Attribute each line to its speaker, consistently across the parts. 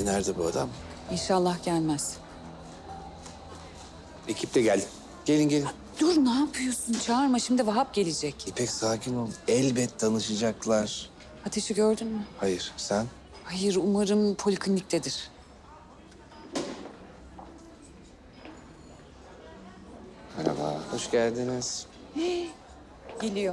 Speaker 1: nerede bu adam?
Speaker 2: İnşallah gelmez.
Speaker 1: Ekip de geldi. Gelin gelin.
Speaker 2: Dur ne yapıyorsun? Çağırma şimdi Vahap gelecek.
Speaker 1: İpek sakin ol. Elbet tanışacaklar.
Speaker 2: Ateşi gördün mü?
Speaker 1: Hayır sen?
Speaker 2: Hayır umarım polikliniktedir.
Speaker 1: Merhaba. Hoş geldiniz.
Speaker 2: Geliyor.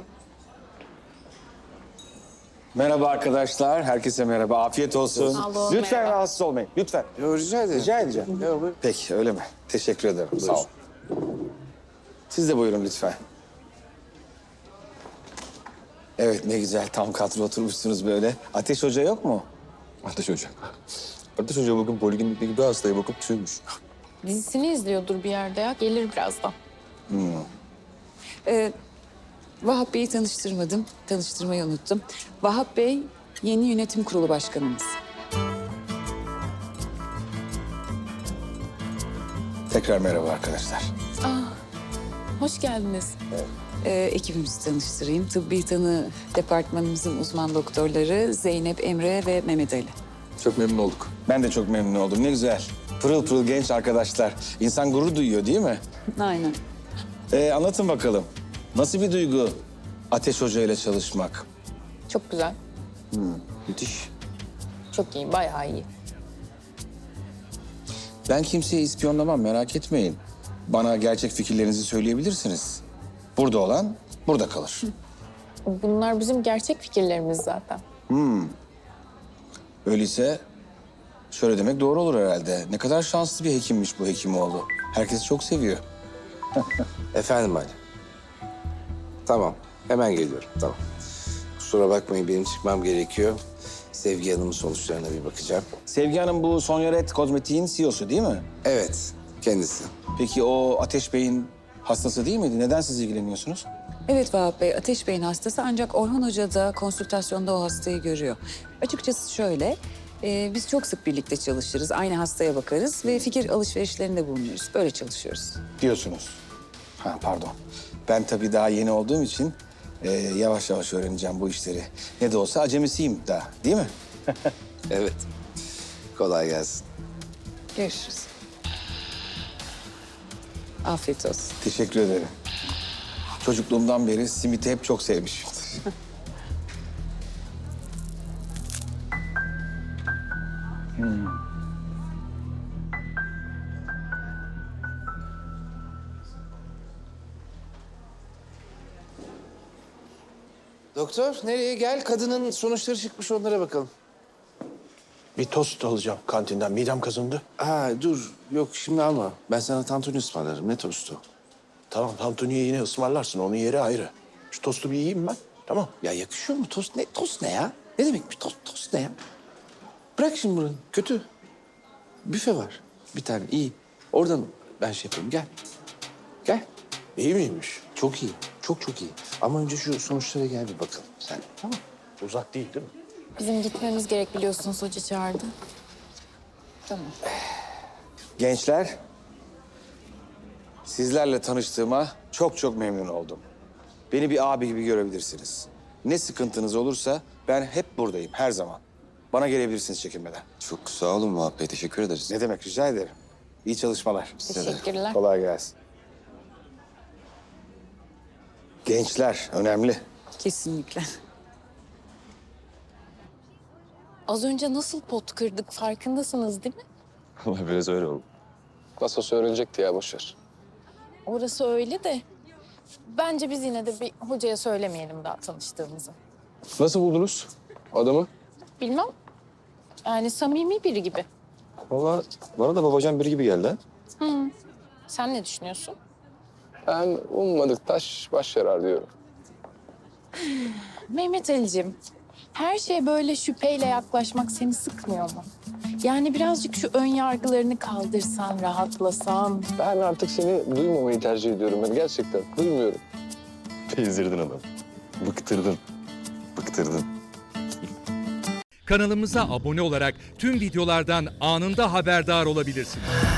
Speaker 3: Merhaba arkadaşlar, herkese merhaba. Afiyet olsun.
Speaker 4: Alo,
Speaker 3: Lütfen
Speaker 4: merhaba.
Speaker 3: rahatsız olmayın, lütfen.
Speaker 1: Yo, rica ederim.
Speaker 3: Rica edeceğim.
Speaker 1: Yo, buyur.
Speaker 3: Peki, öyle mi? Teşekkür ederim, sağ ol. Siz de buyurun lütfen. Evet, ne güzel tam kadro oturmuşsunuz böyle. Ateş Hoca yok mu?
Speaker 5: Ateş Hoca. Ateş Hoca bugün poliklinikteki bir hastaya bakıp tüymüş.
Speaker 4: Dizisini izliyordur bir yerde ya. Gelir birazdan.
Speaker 2: Vahap Bey'i tanıştırmadım. Tanıştırmayı unuttum. Vahap Bey yeni yönetim kurulu başkanımız.
Speaker 3: Tekrar merhaba arkadaşlar.
Speaker 4: Hoş geldiniz.
Speaker 2: Ekibimizi tanıştırayım. Tıbbi tanı departmanımızın uzman doktorları Zeynep, Emre ve Mehmet Ali.
Speaker 5: Çok memnun olduk.
Speaker 3: Ben de çok memnun oldum, ne güzel. Pırıl pırıl genç arkadaşlar. İnsan gurur duyuyor değil mi?
Speaker 2: Aynen.
Speaker 3: Anlatın bakalım. Nasıl bir duygu Ateş Hoca ile çalışmak?
Speaker 4: Çok güzel.
Speaker 3: Müthiş.
Speaker 4: Çok iyi, bayağı iyi.
Speaker 3: Ben kimseyi ispiyonlamam, merak etmeyin. Bana gerçek fikirlerinizi söyleyebilirsiniz. Burada olan burada kalır.
Speaker 4: Bunlar bizim gerçek fikirlerimiz zaten.
Speaker 3: Öyleyse şöyle demek doğru olur herhalde. Ne kadar şanslı bir hekimmiş bu Hekimoğlu. Herkes çok seviyor.
Speaker 1: Efendim Ali. Tamam. Hemen geliyorum. Tamam. Kusura bakmayın benim çıkmam gerekiyor. Sevgi Hanım'ın sonuçlarına bir bakacağım.
Speaker 3: Sevgi Hanım bu Sonyaret Kozmetik'in CEO'su değil mi?
Speaker 1: Evet. Kendisi.
Speaker 3: Peki o Ateş Bey'in hastası değil miydi? Neden siz ilgileniyorsunuz?
Speaker 2: Evet Vahap Bey, Ateş Bey'in hastası ancak Orhan Hoca da konsültasyonda o hastayı görüyor. Açıkçası şöyle, biz çok sık birlikte çalışırız, aynı hastaya bakarız ve fikir alışverişlerinde bulunuruz. Böyle çalışıyoruz.
Speaker 3: Diyorsunuz. Ha pardon. Ben tabii daha yeni olduğum için yavaş yavaş öğreneceğim bu işleri. Ne de olsa acemisiyim daha, değil mi?
Speaker 1: Evet. Kolay gelsin.
Speaker 2: Görüşürüz. Afiyet olsun.
Speaker 3: Teşekkür ederim. Çocukluğumdan beri simiti hep çok sevmişimdir.
Speaker 1: Doktor nereye gel? Kadının sonuçları çıkmış onlara bakalım.
Speaker 6: Bir tost alacağım kantinden. Midem kazındı.
Speaker 1: Ha dur. Yok şimdi alma. Ben sana tantuni ısmarlarım. Ne tostu?
Speaker 6: Tamam, tantuniyi yine ısmarlarsın. Onun yeri ayrı. Şu tostu bir yiyeyim ben. Tamam.
Speaker 1: Ya yakışıyor mu tost? Ne tost ne ya? Ne demek bir tost ne ya? Bırak şimdi bunu. Kötü. Büfe var. Bir tane iyi. Oradan ben şey yapayım. Gel. Gel.
Speaker 6: İyi miymiş?
Speaker 1: Çok iyi. Çok çok iyi. Ama önce şu sonuçlara gel bir bakalım sen. Tamam.
Speaker 6: Uzak değil değil mi?
Speaker 4: Bizim gitmemiz gerek biliyorsunuz. Hoca çağırdı.
Speaker 2: Tamam.
Speaker 3: Gençler, sizlerle tanıştığıma çok çok memnun oldum. Beni bir abi gibi görebilirsiniz. Ne sıkıntınız olursa ben hep buradayım, her zaman. Bana gelebilirsiniz çekinmeden.
Speaker 5: Çok sağ olun Vahap Bey. Teşekkür ederiz.
Speaker 3: Ne demek, rica ederim. İyi çalışmalar.
Speaker 4: Teşekkürler.
Speaker 3: Kolay gelsin. Gençler önemli.
Speaker 2: Kesinlikle.
Speaker 4: Az önce nasıl pot kırdık farkındasınız değil mi?
Speaker 5: Vallahi biraz öyle oldu.
Speaker 7: Nasıl öğrenecekti ya boşver.
Speaker 4: Orası öyle de... Bence biz yine de bir hocaya söylemeyelim daha tanıştığımızı.
Speaker 7: Nasıl buldunuz adamı?
Speaker 4: Bilmem. Yani samimi biri gibi.
Speaker 5: Vallahi bana da babacan biri gibi geldi ha.
Speaker 4: Sen ne düşünüyorsun?
Speaker 7: Ben ummadık taş baş yarar diyorum.
Speaker 4: Mehmet Ali'cim, her şeye böyle şüpheyle yaklaşmak seni sıkmıyor mu? Yani birazcık şu ön yargılarını kaldırsan, rahatlasan.
Speaker 7: Ben artık seni duymamayı tercih ediyorum ben gerçekten. Duymuyorum.
Speaker 5: Bezdirdin adam. Bıktırdın. Bıktırdın.
Speaker 8: Kanalımıza abone olarak tüm videolardan anında haberdar olabilirsiniz.